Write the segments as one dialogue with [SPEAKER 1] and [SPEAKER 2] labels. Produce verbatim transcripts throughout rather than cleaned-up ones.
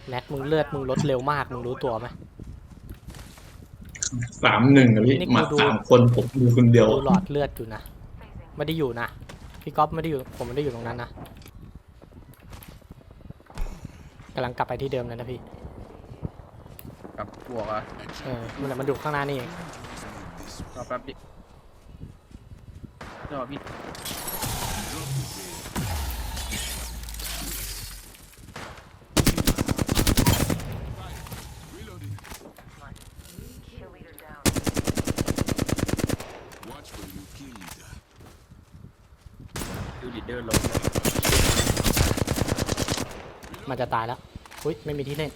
[SPEAKER 1] แน็กมึงเลือดมึงลดเร็วมากมึงรู้ตัวไหม
[SPEAKER 2] สามหนึ่งอะพี่หมัดสามคนผมดูคนเดียว
[SPEAKER 1] ดูหลอดเลือดอยู่นะไม่ได้อยู่นะพี่ก๊อฟไม่ได้อยู่ผมไม่ได้อยู่ตรงนั้นนะกำลังกลับไปที่เดิมเลยนะพี่
[SPEAKER 3] กับบวกอ่ะ
[SPEAKER 1] เออมันมันดูข้างหน้านี่เอง
[SPEAKER 3] รอแป๊บดิรอพี่ดูลีดเดอร์ลง
[SPEAKER 1] มันจะตายแล้วอุ้ยไม่มีที่เล่น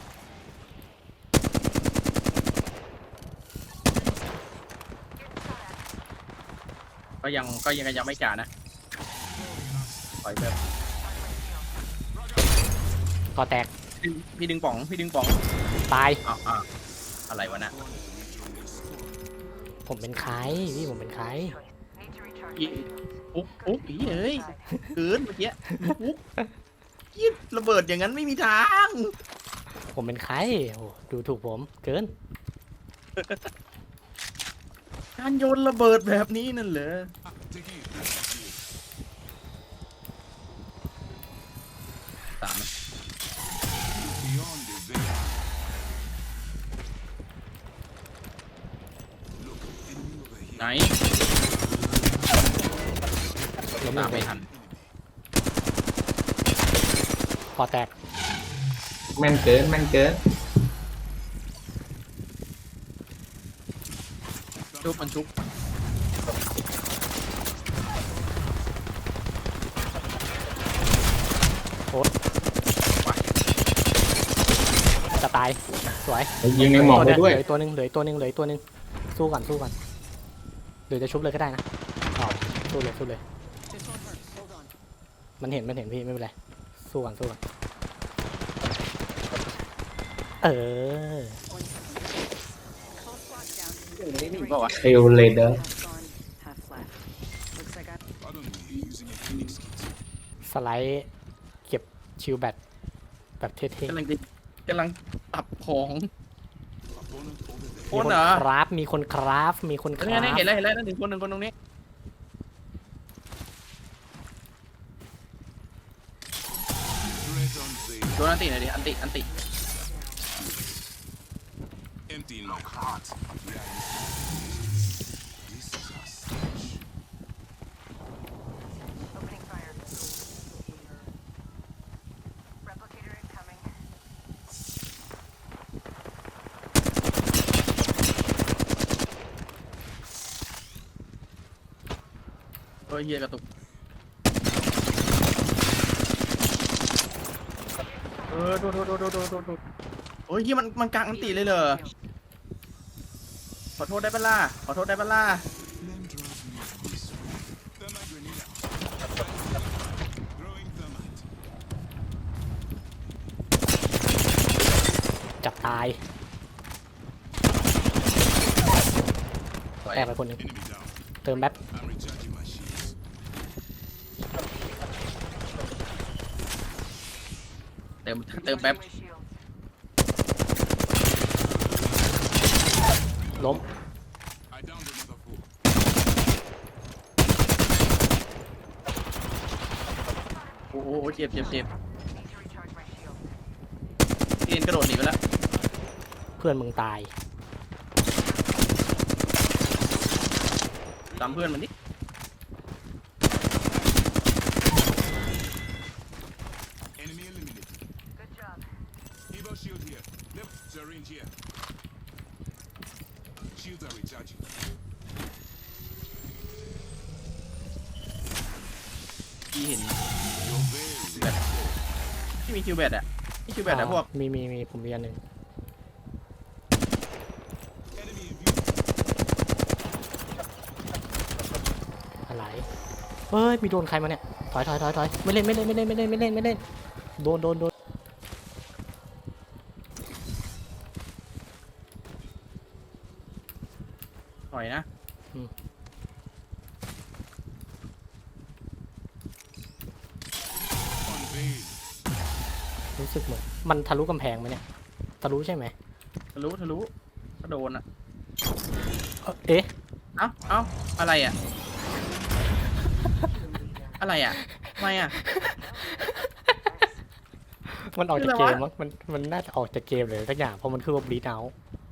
[SPEAKER 3] ก็ยังก็ยังยังไม่จ่านะปล่อยแบบ
[SPEAKER 1] ก่อแตก
[SPEAKER 3] พี่ดึงป๋องพี่ดึงป๋อง
[SPEAKER 1] ตาย
[SPEAKER 3] อ่าอะไรวะนะ
[SPEAKER 1] ผมเป็นใครพี่ผมเป็นใคร
[SPEAKER 3] ปุ๊บปุ๊บพี่เอ้ยเกินเมื่อกี้ปุ๊บยิบระเบิดอย่างนั้นไม่มีทาง
[SPEAKER 1] ผมเป็นใครโอ้ดูถูกผมเกิน
[SPEAKER 3] การโยนระเบิดแบบนี้นั่นเหรอสามไหน
[SPEAKER 1] ล้ม
[SPEAKER 3] ตามไม่ทัน
[SPEAKER 1] ก่อแตก
[SPEAKER 2] แม่นเกินแม่นเกิน
[SPEAKER 3] ชุบมันชุบ
[SPEAKER 1] โอ้จะตายสวย
[SPEAKER 2] ยิงในหมอกไปด้วย
[SPEAKER 1] เหลือตัวนึงเหลือตัวนึงเหลือตัวนึงสู้ก่อนสู้ก่อนหรือจะชุบเลยก็ได้นะอ๋อสู้เลยสู้เลยมันเห็นมันเห็นพี่ไม่เป็นไรสู้ก่อนสู้ก่อนเออ
[SPEAKER 2] เทลเลเดอร์
[SPEAKER 1] สไลด์เก็บชิลแบตแบบเท่ๆ
[SPEAKER 3] กำลังกำลังตับของ
[SPEAKER 1] มีคนคราฟมีคนคราฟมีคนคราฟ
[SPEAKER 3] เห็นแล้วเห็นแล้วนั่นหนึ่งคนหนึ่งคนตรงนี้โดนอันติหน่อยดิอันติอันติโอ้ยเฮียกระตุกเออโดดโดดโดดโดดโดดโดดโอ้ยเฮียมันมันกลางอันติเลยเหรอขอโทษได้ปะล่ะขอโทษได้ปะล่ะ
[SPEAKER 1] จับตายแอบไปคนหนึ่งเติมแป๊บ
[SPEAKER 3] เติมเติมแป๊บ
[SPEAKER 1] ล้ม
[SPEAKER 3] โอ้โหเจ็บเจ็บเจ็บเอ็นกระโดดหนีไปแล้ว
[SPEAKER 1] เพื่อนมึงตาย
[SPEAKER 3] ตามเพื่อนมันดิพี่เห็นแบบที่มีคิวแบตอะที่คิวแบตอะพวก
[SPEAKER 1] มีมีมีผมมีอันหนึ่งอะไรเฮ้ยมีโดนใครมาเนี่ยถอยถอยถอยถอยไม่เล่นไม่เล่นไม่เล่นไม่เล่นไม่เล่นไม่เล่นโดนโดนโดน
[SPEAKER 3] ถอยนะ
[SPEAKER 1] รู้สึกเหมือนมันทะลุกำแพงไหมเนี่ยทะลุใช่ไหม
[SPEAKER 3] ทะลุทะลุก็โดนอ่ะ
[SPEAKER 1] เอ่อเอ๊ะ
[SPEAKER 3] เอ้าเอ้าอะไรอ่ะ อะไรอ่ะทำไมอ่ะ
[SPEAKER 1] มันออกจาก
[SPEAKER 3] คือ
[SPEAKER 1] เก
[SPEAKER 3] อะไรวะ
[SPEAKER 1] มมั้งมันมันน่าจะออกจากเกมเลยสักอย่างเพราะมันคือว่าบลีดเอา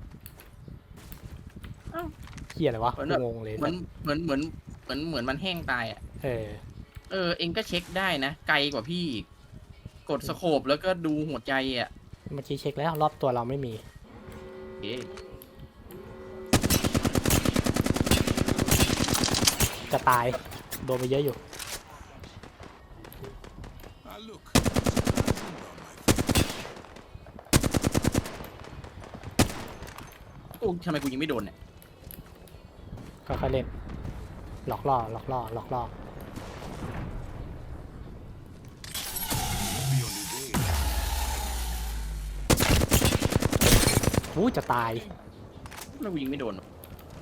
[SPEAKER 3] เอ้า
[SPEAKER 1] เฮียอะไรวะ
[SPEAKER 3] เหมือนแบบ
[SPEAKER 1] งงเลย
[SPEAKER 3] เหมือนเหมือนเหมือนเหมือนเหมือนมันแห้งตายอ่ะ
[SPEAKER 1] เออ
[SPEAKER 3] เออเองก็เช็คได้นะ ไกลกว่าพี่อีกกดสโคปแล้วก็ดูหัวใจอ่ะ
[SPEAKER 1] เมื่อกี้เช็คแล้วรอบตัวเราไม่มี
[SPEAKER 3] เอ๊ะ
[SPEAKER 1] จะตายโดนไปเยอะอยู่
[SPEAKER 3] กูทำไมกูยิงไม่โดนเนี่ย
[SPEAKER 1] ก็ค่อยๆเล่นหลอกล่อหลอกล่อหลอกล่ออู้จะตาย
[SPEAKER 3] ทำไมกูยิงไม่โดนวะ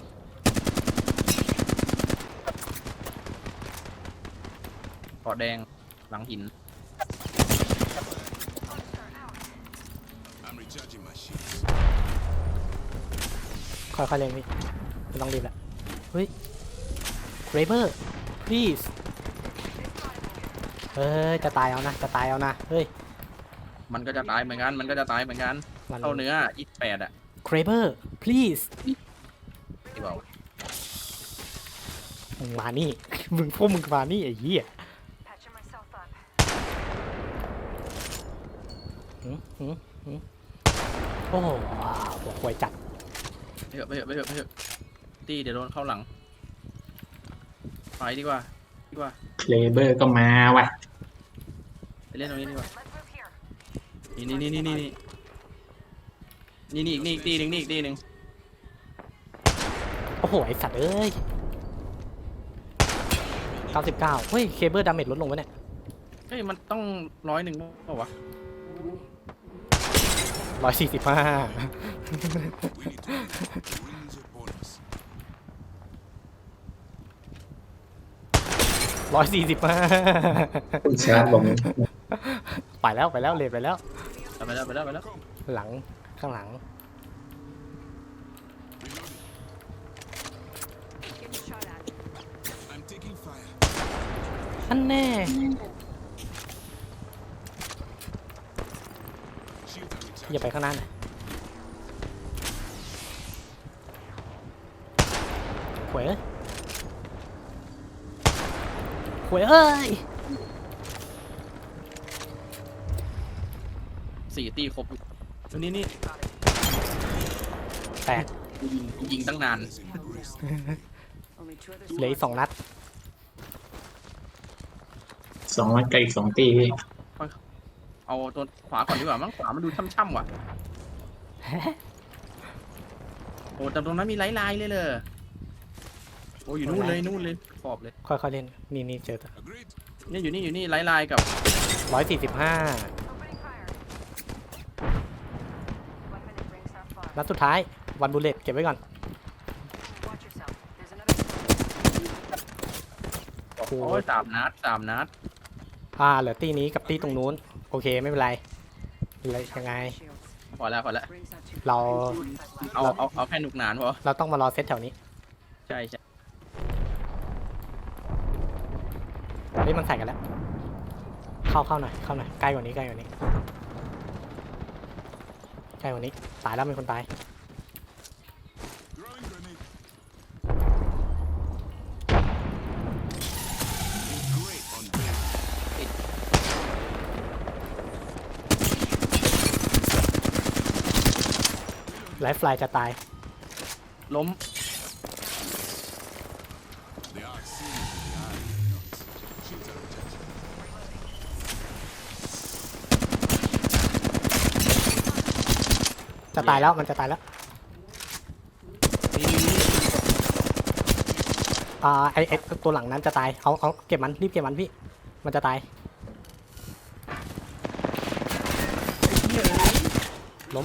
[SPEAKER 3] เกาะแดงหลังหิน
[SPEAKER 1] ค่อยๆเล่นพี่ไม่ต้องรีบละเฮ้ยเรเบอร์ please เฮ้ยจะตายเอานะจะตายเอานะเฮ้ย
[SPEAKER 3] มันก็จะตายเหมือนกันมันก็จะตายเหมือนกัน
[SPEAKER 1] มัน
[SPEAKER 3] เข้าเนื้อยี่สิบแปดอ่ะ
[SPEAKER 1] เรเบอร์ please
[SPEAKER 3] ที่บอก
[SPEAKER 1] มึงมานี่ มึงพวกมึงมานี่ไอ้เหี้ยหืมหืมหืมโอ้โหหัวควายจัด
[SPEAKER 3] ไปเถอะไปเถอะไปเถอะไปเถอะตีเดี๋ยวโดนเข้าหลังไปดีกว่าดีกว่า
[SPEAKER 2] เคลเบอร์ก็มาว่ะ
[SPEAKER 3] ไปเล่นตรงนี้ดีกว่านี่นี่นี่นี่นี่นี่นี่อีกนี่อีกตีหนึ่งนี่อีกตีหนึ่ง
[SPEAKER 1] โอ้โหไอสัตว์เอ้ยเก้าสิบเก้าเฮ้ยเคเบิลดาเมจลดลงวะเนี่ย
[SPEAKER 3] เฮ้ยมันต้องร้อยหนึ่งเปล่าวะ
[SPEAKER 1] ร้อยสี่สิบห้าร้อยสี่สิบห้า
[SPEAKER 2] คุณชาร์จลง
[SPEAKER 1] ไปแล้วไปแล้วเลทไปแล้ว
[SPEAKER 3] ไปแล้วไปแล้วไปแล้ว
[SPEAKER 1] หลังข้างหลังอันแน่อย่าไปข้างหน้าหน่อยหวยเอ้ยหวยเอ้ย
[SPEAKER 3] สี่ตีครบนี่นี่
[SPEAKER 1] แตก
[SPEAKER 3] กูยิงกูยิงตั้งนาน
[SPEAKER 1] เหลืออีกสองนัด
[SPEAKER 2] สองนัดไกลอีกสองตีพี่
[SPEAKER 3] เอาตัวขวาก่อนดีกว่ามั้งขวามันดูช่ำๆว่ะโอ้แต่ตรงนั้นมีไลท์ไลน์เลยเลยโอ้อยู่นู่นเลยนู่นเลยขอบเลย
[SPEAKER 1] ค่อยๆเล่นนี่นี่เจอ
[SPEAKER 3] นี่อยู่นี่อยู่นี่ไลท์ไลน์กับ
[SPEAKER 1] ร้อยสี่สิบห้านัดสุดท้ายวันบูเลตเก็บไว้ก่อน
[SPEAKER 3] โอ้ยสามนัดสามนัด
[SPEAKER 1] อ่าเหลือตีนี้กับตีตรงนู้นโอเคไม่เป็นไรอะไรยังไง
[SPEAKER 3] พอแล้วพอแล้ว
[SPEAKER 1] เรา
[SPEAKER 3] เอาเอาเอาแค่หนุกหนานพอ
[SPEAKER 1] เราต้องมารอเซตแถวนี้
[SPEAKER 3] ใช่ใช่
[SPEAKER 1] เฮ้ยมันใส่กันแล้วเข้าเข้าหน่อยเข้าหน่อยใกล้กว่านี้ใกล้กว่านี้ใกล้กว่านี้ตายแล้วมีคนตายไลฟ์ไฟล์จะตาย
[SPEAKER 3] ล้ม
[SPEAKER 1] จะตายแล้วมันจะตายแล้ว
[SPEAKER 3] นี่นี่นี่
[SPEAKER 1] อ่าไอไอตัวหลังนั้นจะตายเอาเอาเก็บมันรีบเก็บมันพี่มันจะตายล้ม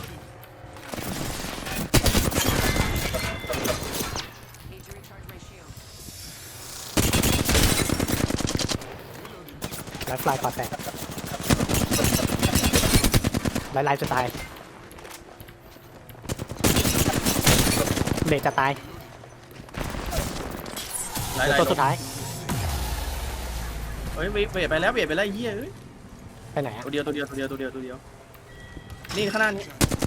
[SPEAKER 1] ไลฟ์ไฟล์ก่อแตกไล่ไล่จะตายเลดจะตาย
[SPEAKER 3] ไล่
[SPEAKER 1] เหลือ
[SPEAKER 3] ไล่
[SPEAKER 1] ตัวสุดท้าย
[SPEAKER 3] เฮ้ยเบียดไปแล้วเบียดไปแล้วไอ้เหี้ยเอ้ย
[SPEAKER 1] ไปไหนอะ
[SPEAKER 3] ตัวเดียวตัวเดียวตัวเดียวตัวเดียวตัวเดียวนี่ข้างหน้านี้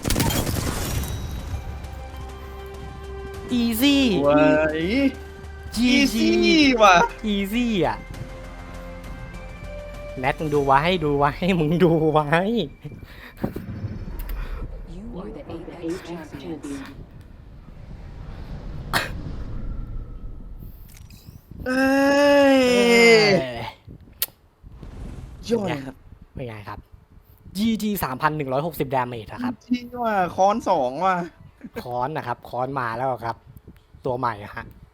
[SPEAKER 1] อีซี่
[SPEAKER 3] ว้าย
[SPEAKER 1] จีจี
[SPEAKER 3] ว่ะ
[SPEAKER 1] อีซี่อ่ะแนทมึงดูไว้ดูไว้มึงดูไว้
[SPEAKER 4] You are the Apex champion.
[SPEAKER 3] เอ้ย
[SPEAKER 1] เอ้ย
[SPEAKER 3] ยอดเลยครับ
[SPEAKER 1] เป็นไงครับ จี จี สามพันหนึ่งร้อยหกสิบ ดาเมจนะครับ
[SPEAKER 3] ที่ว่าค้อนสองว่ะ
[SPEAKER 1] ค้อนนะครับ ค้อนมาแล้วครับ ตัวใหม่อะฮะ